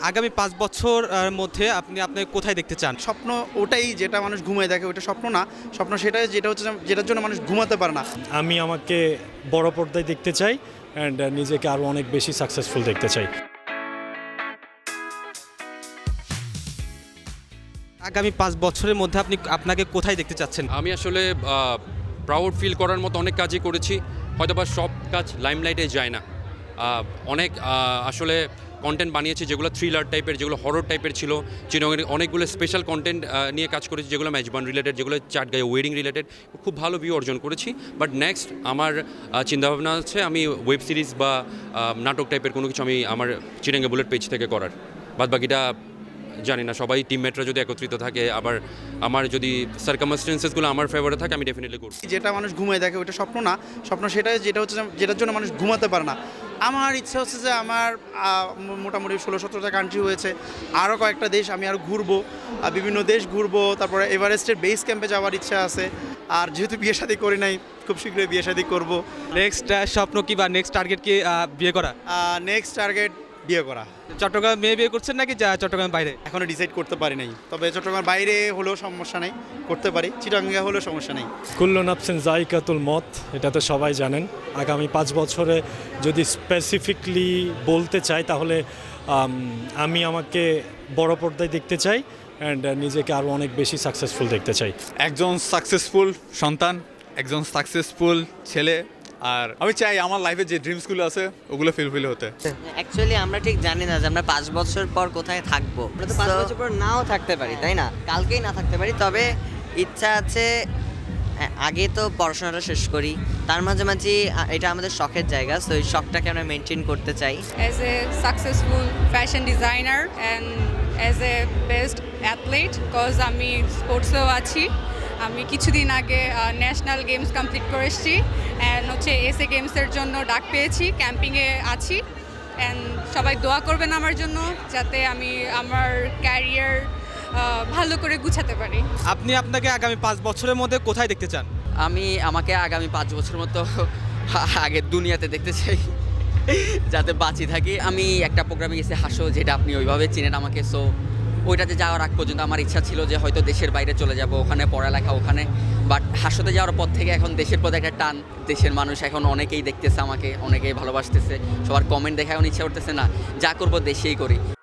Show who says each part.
Speaker 1: আগামী ৫ বছর মধ্যে আপনি আপনাকে কোথায় দেখতে চান?
Speaker 2: স্বপ্ন ওটাই যেটা মানুষ ঘুমিয়ে দেখে, ওটা স্বপ্ন না। স্বপ্ন সেটাই যেটা হচ্ছে যেটার জন্য মানুষ ঘুমাতে পারে না।
Speaker 3: আমি আমাকে বড় পর্দায় দেখতে চাই অ্যান্ড নিজেকে আরও অনেক বেশি সাকসেসফুল দেখতে চাই।
Speaker 1: আগামী ৫ বছরের মধ্যে আপনাকে কোথায় দেখতে চাচ্ছেন?
Speaker 4: আমি আসলে প্রাউড ফিল করার মতো অনেক কাজই করেছি, হয়তোবা সব কাজ লাইমলাইটে যায় না। অনেক আসলে কন্টেন্ট বানিয়েছি যেগুলো থ্রিলার টাইপের, যেগুলো হরর টাইপের ছিল। চিটাগংয়ের অনেকগুলো স্পেশাল কন্টেন্ট নিয়ে কাজ করেছি, যেগুলো মেজবান রিলেটেড, যেগুলো চাটগাঁয়ে ওয়েডিং রিলেটেড। খুব ভালো ভিউ অর্জন করেছি। বাট নেক্সট আমার চিন্তাভাবনা আছে আমি ওয়েব সিরিজ বা নাটক টাইপের কোনো কিছু আমি আমার চিটাগং বুলেট পেজ থেকে করার। বাদ বাকিটা জানি না, সবাই টিমমেটরা যদি একত্রিত থাকে, আবার আমার যদি সার্কামস্টেন্সেসগুলো আমার ফেভারে থাকে, আমি ডেফিনেটলি করব।
Speaker 2: যেটা মানুষ ঘুমিয়ে দেখে, ওটা স্বপ্ন না। স্বপ্ন সেটাই যেটা হচ্ছে যেটার জন্য মানুষ ঘুমাতে পারে না। আমার ইচ্ছা হচ্ছে যে আমার মোটামুটি 16-17টা কান্ট্রি হয়েছে, আরও কয়েকটা দেশ আমি আরও ঘুরবো, বিভিন্ন দেশ ঘুরবো। তারপরে এভারেস্টের বেস ক্যাম্পে যাওয়ার ইচ্ছা আছে। আর যেহেতু বিয়ে শাদী করি নাই, খুব শীঘ্রই বিয়ে শাদী করবো।
Speaker 1: নেক্সট স্বপ্ন কি বা নেক্সট টার্গেট কি বিয়ে করা?
Speaker 2: নেক্সট টার্গেট বিয়ে করা।
Speaker 1: চট্টগ্রাম মেয়ে বিয়ে করছেন নাকি চট্টগ্রামের বাইরে?
Speaker 2: এখনও ডিসাইড করতে পারি নাই, তবে চট্টগ্রামের বাইরে হলেও সমস্যা নেই, করতে পারি। চিটাগাঙ্গে হলেও সমস্যা নেই।
Speaker 3: কুল্লু নাফসিন যায়কাতুল মত, এটা তো সবাই জানেন। আগামী 5 বছরে যদি স্পেসিফিকলি বলতে চাই তাহলে আমি আমাকে বড় পর্দায় দেখতে চাই অ্যান্ড নিজেকে আরও অনেক বেশি সাকসেসফুল দেখতে চাই।
Speaker 5: একজন সাকসেসফুল সন্তান, একজন সাকসেসফুল ছেলে। আর আমি চাই আমার লাইফে যে ড্রিমসগুলো আছে ওগুলো ফুলফিল হতে।
Speaker 6: অ্যাকচুয়ালি আমরা ঠিক জানি না যে আমরা 5 বছর পর কোথায় থাকবো। আমরা তো 5 বছর পর নাও থাকতে পারি, তাই না? কালকেই না থাকতে পারি। তবে ইচ্ছা আছে আগে তো পড়াশোনাটা শেষ করি, তার মাঝামাঝি এটা আমাদের শখের জায়গা, সো এই শখটাকে আমরা মেনটেন করতে চাই।
Speaker 7: As a successful fashion designer and as a best athlete, because আমি স্পোর্টসেও আছি। আমি কিছুদিন আগে ন্যাশনাল গেমস কমপ্লিট করে এসেছি অ্যান্ড হচ্ছে এসএ গেমসের জন্য ডাক পেয়েছি, ক্যাম্পিংয়ে আছি। অ্যান্ড সবাই দোয়া করবেন আমার জন্য, যাতে আমি আমার ক্যারিয়ার ভালো করে গুছাতে পারি।
Speaker 1: আপনি আপনাকে আগামী 5 বছরের মধ্যে কোথায় দেখতে চান?
Speaker 6: আমি আমাকে আগামী 5 বছর মতো আগের দুনিয়াতে দেখতে চাই, যাতে বাঁচি থাকি। আমি একটা প্রোগ্রামে গেছি হাসো, যেটা আপনি ওইভাবে চিনেন আমাকে। সো ওইটাতে যাওয়ার আগ পর্যন্ত আমার ইচ্ছা ছিল যে হয়তো দেশের বাইরে চলে যাব, ওখানে পড়ালেখা ওখানে। বাট হাসোতে যাওয়ার পর থেকে এখন দেশের প্রতি একটা টান। দেশের মানুষ এখন অনেকেই দেখতেছে আমাকে, অনেকেই ভালোবাসতেছে, সবার কমেন্ট দেখে এখন ইচ্ছা করতেছে না যা করবো দেশেই করি।